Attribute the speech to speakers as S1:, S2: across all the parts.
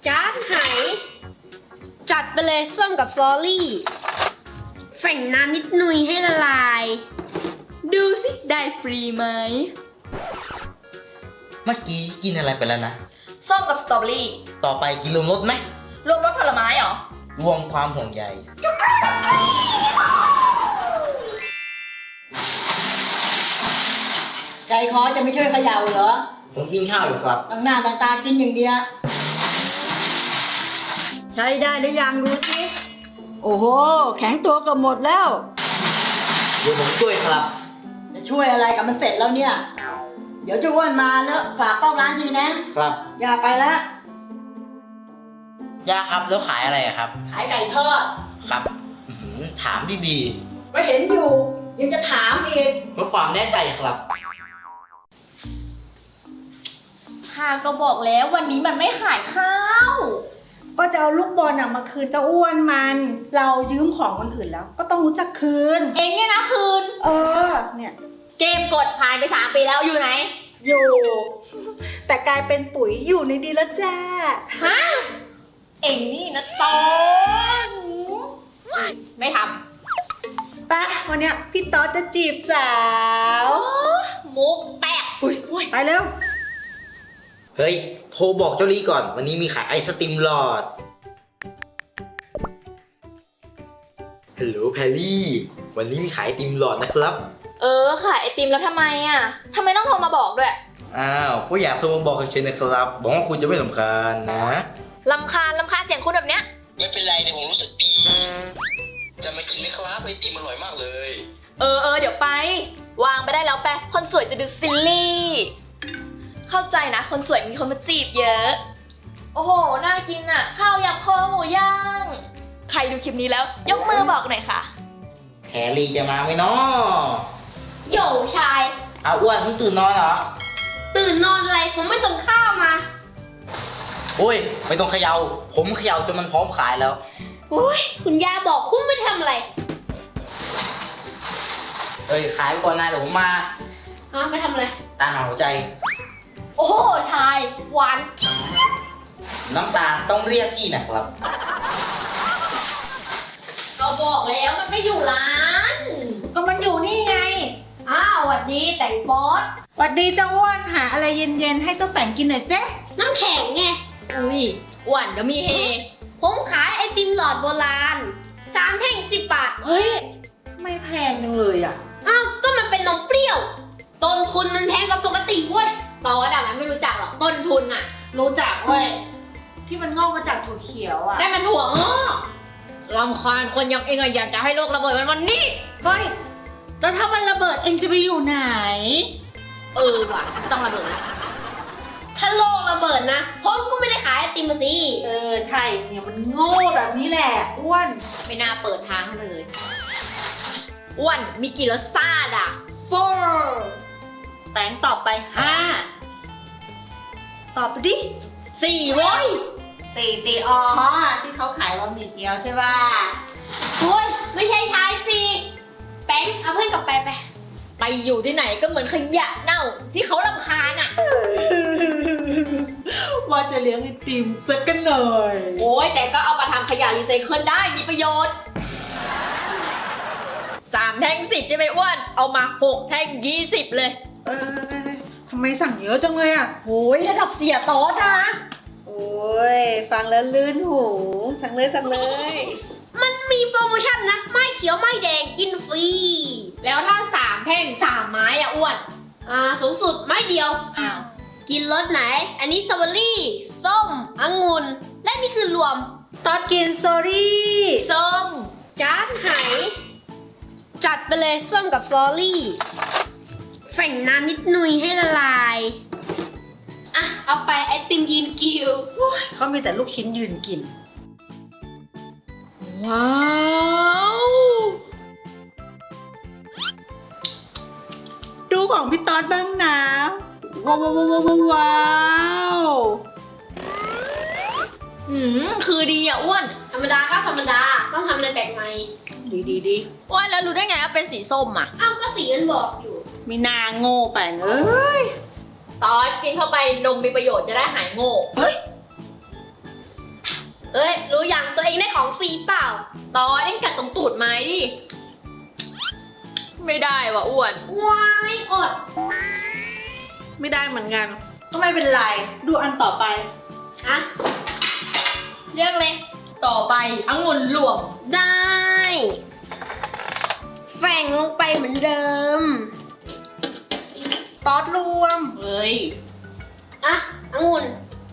S1: จานไหจัดไปเลยส้มกับซอรี่แฝ่งน้ำนิดหน่อยให้ละลาย
S2: ดูสิได้ฟรีไหม
S3: เมื่อกี้กินอะไรไปแล้วนะ
S2: ส้มกับสตรอเบอรี่
S3: ต่อไปกินรวมรสไหม
S2: รวมรสผลไม้เหรอ
S3: รวมความห่วงใย
S4: ใจคอจะไม่ช่วยเขย่าเหรอ
S3: ผมกินข้าวอยู่ครับ
S4: ตั้งหน้าตั้งตากินอย่างเดียวใช้ได้หรือยังดูสิโอ้โหแข็งตัวเกือบหมดแล้ว
S3: เดี๋ยวผมช่วยครับ
S4: จะช่วยอะไรกับมันเสร็จแล้วเนี่ยเดี๋ยวจะอ้วนมาแล้วฝากเฝ้าร้านทีนะครับอย่าไปละ
S3: ย่าครับแล้วขายอะไรครับ
S4: ขายไก่ทอด
S3: ครับถามดี
S4: ก็เห็นอยู่ยังจะถามอีก
S3: เพื่อความแน่ใจครับ
S2: ข้าก็บอกแล้ววันนี้มันไม่ขายข้าว
S5: ก็จะเอาลูกบอลมาคืนเจ้าอ้วนมันเรายืมของคนอื่นแล้วก็ต้องรู้จักคืน
S2: เองเนี่ยนะคืน
S5: เนี่ย
S2: เกมกดผ่านไป3 ปีแล้วอยู่ไหน
S5: อยู่แต่กลายเป็นปุ๋ยอยู่ในดีแล้วจ้า
S2: ฮะเองนี่นะตอนไม่ท
S5: ำปะวันเนี้ยพี่ต๊อดจะจีบสาว
S2: มุกแปะ
S5: ไปเร็ว
S3: เฮ้ยโทรบอกเจ้าลี่ก่อนวันนี้มีขายไอศติมหลอดฮัลโหลแพรรี่วันนี้มีขายไอติมหลอดนะครับ
S2: ขายไอติมแล้วทำไมทำไมต้องโทรมาบอกด้วย
S3: อ้าวก็อยากโทรมาบอกเฉยๆนะครับบอกว่าคุณจะไม่รำคาญนะ
S2: รำคาญเสียงคุณแบบเนี้ย
S3: ไม่เป็นไรเดี๋ยวผมรู้สึกดีจะมากินไหมครับไอติมอร่อยมากเลย
S2: เดี๋ยวไปวางไปได้แล้วแปะคนสวยจะดูซิลลี่เข้าใจนะคนสวยมีคนมาจีบเยอะโอ้โหน่ากินข้าวยำคอหมูย่างใครดูคลิปนี้แล้วยกมือบอกหน่อยค่ะ
S3: แพรรี่จะมาไหมเนาะ
S1: โย่ชาย
S3: อ้วนเพิ่งตื่นนอนเหรอ
S1: ตื่นนอนอะไรผมไม่ส่งข้าวมา
S3: โอ้ยไม่ต้องเขยาผมเขย่าจนมันพร้อมขายแล้ว
S1: โอ้ยคุณย่าบอกคุณไม่ทำอะไร
S3: ขายไปก่อนนะเดี๋ยวผมมา
S1: ไม่ทำอะไร
S3: ตาหาหัวใจ
S1: โอ้ชายหวาน
S3: น้ำตาลต้องเรียกพี่นะครับ
S1: ก็บอกแล้วมันไม่อยู่ร้าน
S5: ก็มันอยู่นี่ไง
S1: หวัดดีแต่งบอส
S5: หวัดดีเจ้าอ้วนหาอะไรเย็นๆให้เจ้าแป่งกินหน่อยเจ๊
S1: น้ำแข็งไง
S2: อุ้ยอ้วนเดี๋ยวมีเฮ
S1: ผมขายไอติมหลอดโบราณ3 แท่ง10 บาท
S5: เฮ้ยไม่แพงจังเลย
S1: ก็มันเป็นนมเปรี้ยวต้นทุนมันแพงกว่าปกติเว้ยตอดมันไม่รู้จักหรอกต้นทุน
S5: รู้จักเว้ยที่มันงอกมาจากถั่วเขียว
S1: ได้มันถั่วงอกรำคาญคนอย่างเองอยากจะให้โลกระเบิดวันนี้
S5: เฮ้ยแล้วถ้ามันระเบิดเองจะไปอยู่ไหน
S1: ว่ะไม่ต้องระเบิดนะถ้าโลกระเบิดนะผมก็ไม่ได้ขายไอติมมาสิ
S5: ใช่เนี่ยมันโง่แบบนี้แหละอ้วน
S1: ไม่น่าเปิดทางให้มันเลยอ้วนมีกี่รสชาติ
S5: 4แป้งตอบไป5ตอบไปดิ
S1: 4เว้ย4ที่เขาขายบะหมี่เกี๊ยวใช่ป่ะคุณไม่ใช่ชายสิแป้งเอาเพื่อนกับไปอยู่ที่ไหนก็เหมือนขยะเน่าที่เขารำคาญ
S5: ว่าจะเลี้ยงไอติมสักกันหน่อย
S1: โอ้ยแต่ก็เอามาทำขยะรีไซเคิลได้มีประโยชน์3 แท่ง10ใช่ไหมอ้วนเอามา6 แท่ง20เลย
S5: ทำไมสั่งเยอะจังเลย
S1: โอ้ยระดับเสียโต๊ะ
S5: โอ้ยฟังแล้วลื่นหูสั่งเลย
S1: มันมีโปรโมชั่นนะไม้เขียวไม้แดงกินฟรีแล้วถ้า3 แท่ง3 ไม้อ้วนสูงสุดไม้เดียวกินรสไหนอันนี้สตรอเบอรี่ส้มองุ่นและนี่คือรวม
S5: ตอนกินสตรอเบอรี่
S1: ส้มจานไหจัดไปเลยส้มกับสตรอเบอรี่แฝ่งน้ำนิดหน่อยให้ละลายเอาไปไอติมยืนกิว
S5: เขามีแต่ลูกชิ้นยืนกิน
S2: ว้าว
S5: ดูของพี่ต๊อดบ้างนะว้าว
S2: คือดีอ้วน
S1: ธรรมดาก็ธรรมดาต้องทำอะไรแปลกใหม่
S5: ดี
S2: อ้วนแล้วรู้ได้ไงว่าเป็นสีส้ม
S1: ก็สีมันบอกอยู่
S5: มีนาโง่แปลงเอ้ย
S2: ตอนกินเข้าไปนมมีประโยชน์จะได้หายโง่
S5: เฮ้ย
S1: เอ้ย รู้ยังตัวเองได้ของฟรีเปล่า
S2: ตอนเล่นกัดตรงตูดไม้ดิ ไม่ได้ว่ะอ้วน
S1: ว้ายอด
S5: ไม่ได้เหมือนกัน ก็ไม่เป็นไร ดูอันต่อไป
S1: อะเลือกเลย
S2: ต่อไปองุ่นหลวง
S1: ได้แฝงลงไปเหมือนเดิม
S5: ตอดรวม
S2: เฮ้ย
S1: อะองุ่น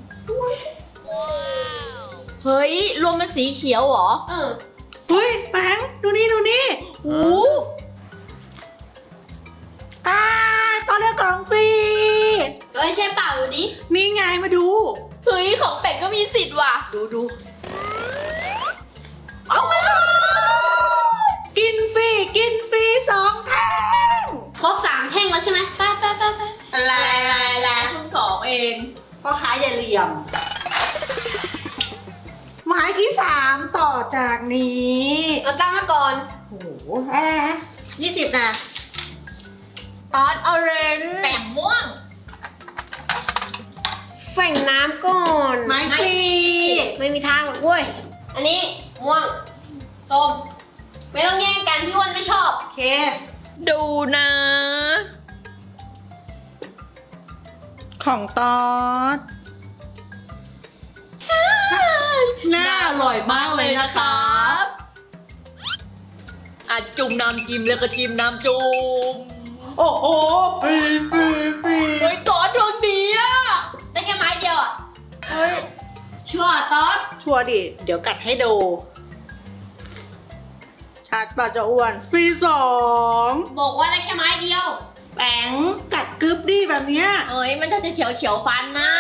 S2: เฮ้ย รวมเป็นสีเขียวเหรอ
S5: เฮ้ยแบงค์ดูนี่ดูนี่
S2: โอ้
S5: ตอนเลือกของฟรี
S1: เอ้ย ใช่เปล่าดูดิ
S5: นี่ไงมาดู
S2: เฮ้ย ของเป็ดก็มีสิทธิ์ว่ะ
S5: ดูเอามากินฟรี2 แท่ง
S1: ครบ3 แท่งแล้วใช่ไหมไป
S5: อะไร
S2: คุณของเอง
S5: พ่อค้าอย่าเหลี่ยม หมายที่ 3 ต่อจากนี้
S1: เอาตั้งมาก่อน
S5: โอ้โหอะไรนะ20นะตอดออเรนจ์
S2: แป่งม่วง
S1: แฝงน้ำก่อน
S5: ไม้ฟรี
S1: ไม่มีทางหรอกเว้ย อันนี้ม่วง ส้ม ไม่ต้องแย่งกันพี่อ้วนไม่ชอบ
S5: โอเค
S2: ดูนะ
S5: ของตอดน่าอร่อยมากเลยนะคะ
S2: อ่ะจุ่มน้ำจิ้มแล้วก็จิ้มน้ำจุ่ม
S5: โอ้โหฟรี
S2: เฮ้ยตอนดวงดีอ่ะ
S1: ได้แค่ไม้เดียวอ่ะ
S5: เฮ้ย
S1: ชัวร์ต๊อด
S5: ชัวร์ดิ เดี๋ยวกัดให้ดูชัดป่ะจะอ้วนฟรี2
S1: บอกว่าได้แค่ไม้เดียว
S5: แปงกัดกึบดิแบบเนี้ย
S2: เฮ้ย มันจะเฉียวฟันนะ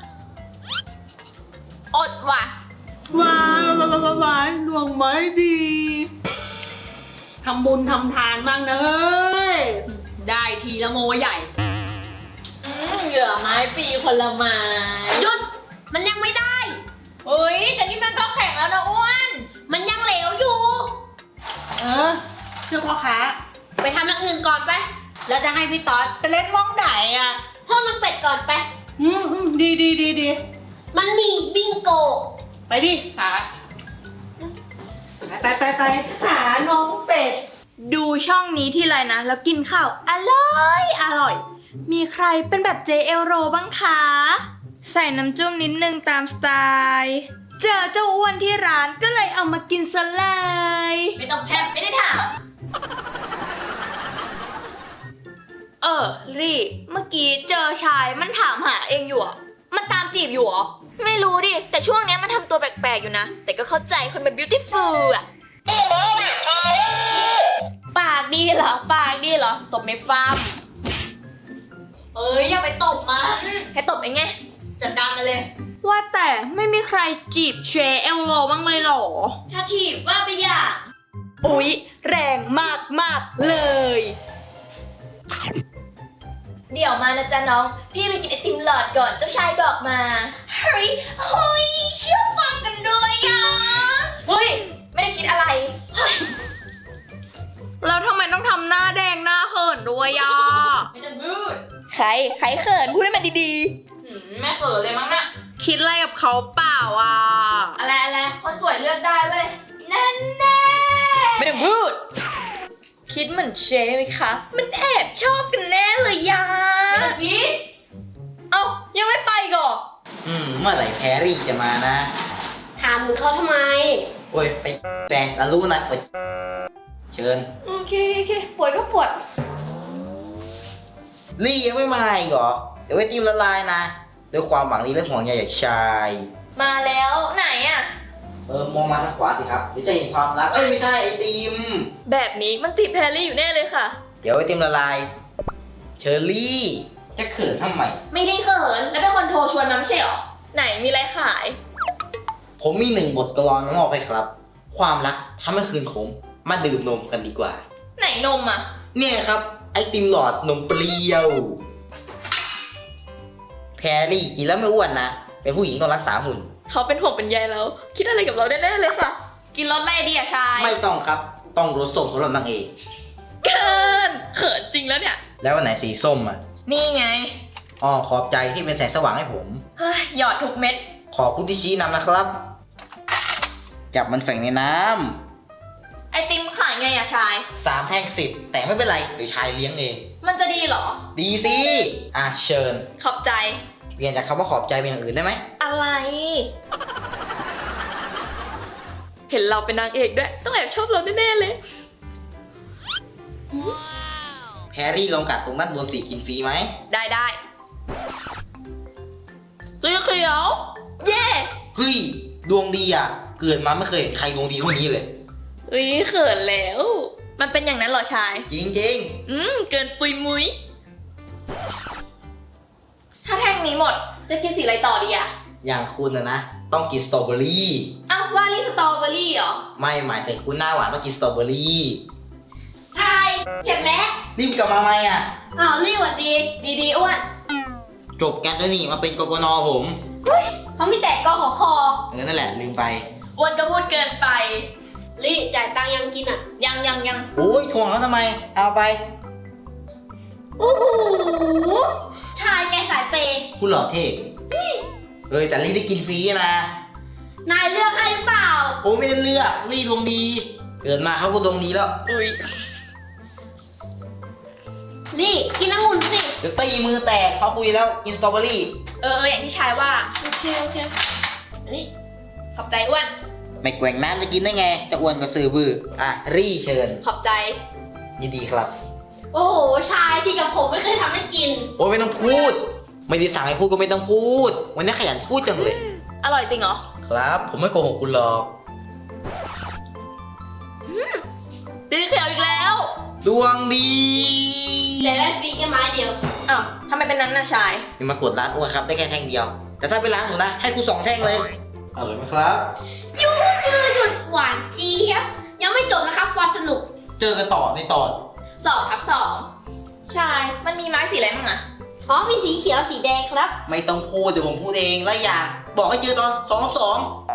S2: อดว่ะ
S5: ว้ายดวงไม้ดีทำบุญทำทานบ้างนะเฮ้ย
S2: ได้ทีละโมใหญ่เหยื่อไม้ฟรีคนละไม้
S1: หยุด มันยังไม่ได้
S2: เฮ้ย แต่นี่มันก็แข็งแล้วนะอ้วน
S1: มันยังเหลวอยู่
S5: เออเชื่อพ่อค้า
S1: ไปทำอย่างอื่นก่อนไป
S5: แล้วจะให้พี่ต๊อดไปเล่นม่องไก่อ่ะ
S1: ห้องนังเป็ดก่อนไป
S5: ดี
S1: มันมีบิงโก
S5: ไปดิหาไปหาน้องเป็ด
S6: ดูช่องนี้ที่ไรนะ แล้วกินข้าวอร่อย มีใครเป็นแบบเจเอลโรบ้างคะ ใส่น้ำจุ้มนิดนึงตามสไตล์ เจอเจ้าอ้วนที่ร้านก็เลยเอามากินซะเลย
S2: ไม่ต้องแพบไม่ได้ถาม
S6: รีเมื่อกี้เจอชายมันถามหาเองอยู่อะมันตามจีบอยู่เหรอ ไม่รู้ดิ แต่ช่วงเนี้ยมันทำตัวแปลกๆอยู่นะ แต่ก็เข้าใจคนเป็น beautiful อะ
S2: ปากดีเหรอ ปากดีเหรอ ตบไม่ฟัมเอ้ย อย่าไปตบมัน ให้ตบเองไง จัดการมาเลย
S6: ว่าแต่ไม่มีใครจีบเชเอลโรบ้างเลยเหรอ
S2: ถ้าถีบว่าไปอย่า
S6: อุ๊ย แรงมากเลย
S2: เดี๋ยวมานะจ๊ะน้อง พี่ไปกินไอติมหลอดก่อนเจ้าชายบอกมา
S6: เฮ้ยเชื่อฟังกันด้วยอ่ะ
S2: เฮ้ย ไม่ได้คิดอะไร
S6: แล้วทำไมต้องทำหน้าแดงหน้าเขินด้วยอ่ะ
S2: ไม่ต้องพูด
S6: ใครเขินพูดให้มันดี
S2: แม่เปิดเลยมั้งน่ะ
S6: ๆ คิดอะไรกับเขาเปล่าอ่ะ
S2: อะไรคนสวยเลือกได้เว้ย
S6: นั่นแน่ไม่ต้องพูด คิดเหมือนเชไหมคะ มันแอบชอบกันแน่เลยยา
S2: ไม่ต้องคิด
S6: เอ้ายังไม่ไปก่อน
S7: เมื่อไหร่แพรรี่จะมานะ
S1: ถามมึงเขาทำไม
S7: โอ้ย ไปแปลงแล้วรู้นะเชิญ
S1: โอเค ปวดก็ปวด
S7: ลี่ยังไม่มาอีกเหรอ เดี๋ยวไอติมละลายนะ ด้วยความหวังดีและห่วงใยจากชาย
S2: มาแล้วไหนอ่ะ
S7: มองมาทางขวาสิครับ เดี๋ยวจะเห็นความรัก เอ้ย ไม่ใช่ไอติม
S6: แบบนี้มันจีบแพรรี่อยู่แน่เลยค่ะ
S7: เดี๋ยวไอติมละลาย เชอรี่ จะเขินทำไม
S2: ไม่ได้เขิน แล้วเป็นคนโทรชวนมาไม่ใช่หรอ
S6: ไหนมีอะไรขาย
S7: ผมมี1 บทกลอนมามอบให้ครับ ความรักทำให้คืนขม มาดื่มนมกันดีกว่า
S6: ไหนนมอ่ะ
S7: เนี่ยครับ ไอติมหลอดนมเปรี้ยว แพรรี่กินแล้วไม่อ้วนนะ เป็นผู้หญิงต้องรักษาหุ่น
S6: เขาเป็นห่วงเป็นใยแล้ว คิดอะไรกับเราแน่ๆเลยค่ะ กินรสอะไรดีอะชาย
S7: ไม่ต้องครับ ต้องรสส้มสำหรับนางเอก
S6: เขินจริงแล้วเนี่ย
S7: แล้ววันไหนสีส้มอ่ะ
S6: นี่ไง
S7: อ๋อขอบใจที่เป็นแสงสว่างให้ผม
S6: เฮ้ย หยอดทุกเม็ด
S7: ขอบคุณที่ชี้นำนะครับจับมันแฝงในน้
S2: ไอติมขายไงอะชาย
S7: ำ3 แท่ง 10 แต่ไม่เป็นไรเดี๋ยวชายเลี้ยงเอง
S2: มันจะดีเหรอ
S7: ดีสิ เชิญ
S2: ขอบใจ
S7: เปลี่ยนจากคำว่าขอบใจเป็นอย่างอื่นได้ไหม
S2: อะไร เห็นเราเป็นนางเอกด้วย ต้องแอบชอบเราแน่ๆเลย
S7: แพรรี่ลองกัดตรงด้านบนสีกินฟรีไหม
S2: ได้สีเขียว เย่
S7: เฮ้ย ดวงดีอ่ะ เกิดมาไม่เคยเห็นใครดวงดีเท่านี้เลย
S2: อุ้ยเขินแล้ว มันเป็นอย่างนั้นเหรอชาย
S7: จริง
S2: เกินปุยมุ้ย ถ้าแท่งนี้หมด จะกินสีอะไรต่อดีอะ
S7: ๆ อย่างคุณนะ ต้องกินสตรอเบอรี่
S2: อ้าวว่าลี่สตรอเบอรี่เหรอ
S7: ไม่หมายถึงคุณหน้าหวานต้องกินสตรอเบอรี่
S1: ชายเห็นแล้ว
S7: รีบกลับมาไหมอ่ะ
S1: อ้าวรีบหวัดดี
S2: ดีอ้วน
S7: จบกันด้วยนี่มาเป็นกกนผม
S1: เขามีแต่กขอคอ
S7: นั่นแหละลืมไป
S2: อ้วนก็พูดเกินไป
S1: รีจ่ายตังค์ยังกินอ่ะ
S2: ยัง
S7: โอ้ยทวงเขาทำไม เอาไป
S1: โอ้โห ชายแกสายเปย์
S7: คุณหล่อเท่เฮ้ยแต่ลี่ได้กินฟรีนะ
S1: นายเลือกให้หรือเปล่า
S7: โอ้ไม่ได้เลือกลี่ดวงดี เกิดมาเขาก็ดวงดีแล้ว
S2: อุ้ย
S1: ลี่กินองุ่นสิ
S7: เดี๋ยวตีมือแตกเขาคุยแล้วกินสตรอเบอรี่
S2: อย่างที่ชายว่า
S1: โอเคอันนี้
S2: ขอบใจอ้วน
S7: ไม่แกว่งน้ำจะกินได้ไง จะอ้วนก็ซื้อบื้อรี่เชิญ
S2: ขอบใจ
S7: ยินดีครับ
S1: โอ้โห ชายที่กับผมไม่เคยทำให้กิน
S7: โอ้ยไม่ต้องพูด ไม่ได้สั่งให้พูดก็ไม่ต้องพูด วันนี้ขยันพูดจังเลย
S2: อร่อยจริงเหรอ
S7: ครับ ผมไม่โกหกคุณหรอก
S2: สีเขียวอีกแล้ว
S7: ดวงดี
S1: แต่ได้ฟรีแค่ไม้เดียว
S2: อ้าวทำไมเป็นนั้นน่ะชาย
S7: นี่มากดร้านอ้วนครับได้แค่แท่งเดียว แต่ถ้าเป็นร้านหนูนะ ให้คุณ2 แท่งเลยอร่อยไหมครับ
S1: หยุดหวานเจี๊ยบ ยังไม่จบนะครับความสนุก
S7: เจอกันต่อในตอน
S2: 2/2 ชาย มันมีไม้สีอะไรบ้างอะ
S1: อ๋อมีสีเขียวสีแดงครับ
S7: ไม่ต้องพูดเดี๋ยวผมพูดเองและอย่างบอกให้เจอตอน2 2